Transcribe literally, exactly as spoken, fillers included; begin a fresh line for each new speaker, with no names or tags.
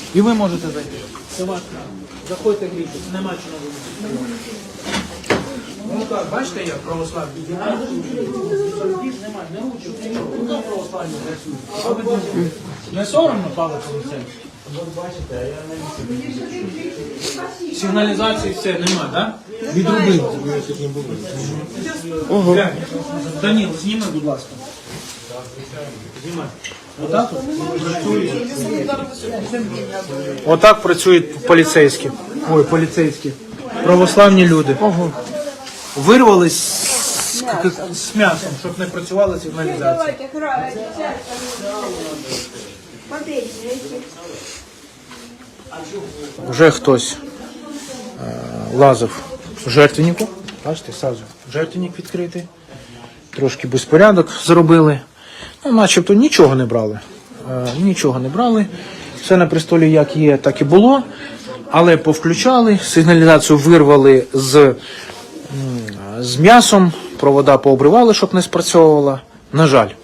І ви можете зайти. Це ваш право. Заходьте, грійтесь, нема чого робити. Ну так, бачите, як православні? Немає, не ручок, не ручок. Ну так православні працюють. Що ви думаєте? Не соромно палити лице? Бачите, а я не сигналізації все нема, так? Відробили. Ого. Даніл, зніми, будь ласка. Знімай. Отак працюють. Отак працюють поліцейські. Ой, поліцейські. Православні люди. Ого. Вирвались з, з м'ясом, щоб не працювала сигналізація. Вже хтось е, лазив в жертвеннику. Бачите, сразу жертвенник відкритий. Трошки безпорядок зробили. Ну, начебто нічого не брали. Е, нічого не брали. Все на престолі як є, так і було. Але повключали, сигналізацію вирвали з, з м'ясом, провода пообривали, щоб не спрацьовувала. На жаль.